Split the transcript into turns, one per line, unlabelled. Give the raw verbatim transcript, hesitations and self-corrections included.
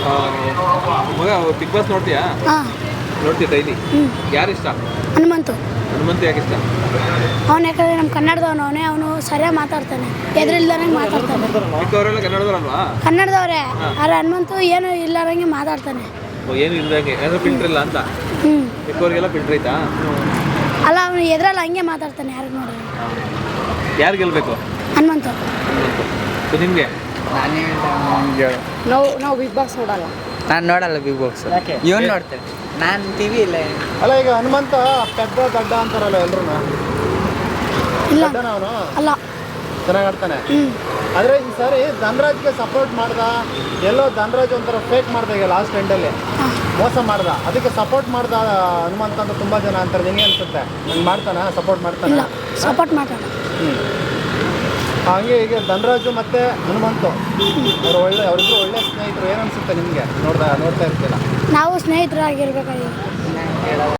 ಮಗ big boss ನೋಡ್ತೀಯಾ?
ಹಾಂ
ನೋಡ್ತೀಯ daily?
ಹ್ಞೂ
ಯಾರು ಇಷ್ಟ?
ಹನುಮಂತು.
ಹನುಮಂತ ಯಾಕೆ ಇಷ್ಟ?
ಅವನು ಯಾಕಂದರೆ ನಮ್ಮ ಕನ್ನಡದವನು ಅವನೇ, ಅವನು ಸರಿಯಾಗಿ ಮಾತಾಡ್ತಾನೆ, ಎದುರಿಲ್ದಂಗೆ ಮಾತಾಡ್ತಾನೆ.
ಮಿಕ್ಕವರೆಲ್ಲ ಕನ್ನಡದವರಲ್ವಾ?
ಕನ್ನಡದವರೇ, ಆದರೆ ಹನುಮಂತು ಏನು ಇಲ್ಲಾರಂಗೆ ಮಾತಾಡ್ತಾನೆ.
ಓ, ಏನು ಇಲ್ದಂಗೆ ಯಾರು ಫಿಲ್ಟರ್ ಇಲ್ಲ ಅಂತ?
ಹ್ಞೂ
ಮಿಕ್ಕವರಿಗೆಲ್ಲ ಫಿಲ್ಟರ್ ಐತಾ?
ಅಲ್ಲ, ಅವನು ಎದುರಲ್ಲ ಹಂಗೆ ಮಾತಾಡ್ತಾನೆ ಯಾರಿಗೆ ನೋಡಿದ್ರೆ.
ಯಾರು ಗೆಲ್ಬೇಕು?
ಹನುಮಂತು.
ಸೊ ನಿಮಗೆ?
ನಾವು ನಾವು ಬಿಗ್ ಬಾಸ್ ನೋಡಲ್ಲ.
ನಾನು ನೋಡಲ್ಲ ಬಿಗ್ ಬಾಕ್ಸ್. ಇವನು ನೋಡ್ತೇನೆ, ನಾನು ಟಿವಿ ಇಲ್ಲ.
ಅಲ್ಲ, ಈಗ ಹನುಮಂತ ಪೆದ್ದ ಗಡ್ಡ ಅಂತಾರಲ್ಲ ಎಲ್ರು.
ಇಲ್ಲ
ಅವನು
ಅಲ್ಲ,
ಚೆನ್ನಾಗಿ ಆಡ್ತಾನೆ.
ಹ್ಞೂ
ಆದರೆ ಈ ಸಾರಿ ಧನರಾಜ್ಗೆ ಸಪೋರ್ಟ್ ಮಾಡ್ದ. ಎಲ್ಲೋ ಧನರಾಜ್ ಒಂಥರ ಫೇಕ್ ಮಾಡ್ದ ಈಗ ಲಾಸ್ಟ್ ಎಂಡಲ್ಲಿ ಮೋಸ ಮಾಡ್ದ. ಅದಕ್ಕೆ ಸಪೋರ್ಟ್ ಮಾಡ್ದ ಹನುಮಂತ ಅಂತ ತುಂಬ ಜನ ಅಂತಾರೆ. ನಿನಗೆ ಅನ್ಸುತ್ತೆ ನಂಗೆ ಮಾಡ್ತಾನ ಸಪೋರ್ಟ್ ಮಾಡ್ತಾನೆ?
ಇಲ್ಲ, ಸಪೋರ್ಟ್ ಮಾತಾಡ.
ಹ್ಞೂ ಹಾಗೆ ಈಗ ಧನರಾಜು ಮತ್ತು ಹನುಮಂತು ಅವರು ಒಳ್ಳೆ ಅವರಿಬ್ಬರು ಒಳ್ಳೆ ಸ್ನೇಹಿತರು. ಏನು ಅನಿಸುತ್ತೆ ನಿಮಗೆ ನೋಡ್ದ ನೋಡ್ತಾ ಇರ್ತೀರ?
ನಾವು ಸ್ನೇಹಿತರಾಗಿರ್ಬೇಕಾಗಿ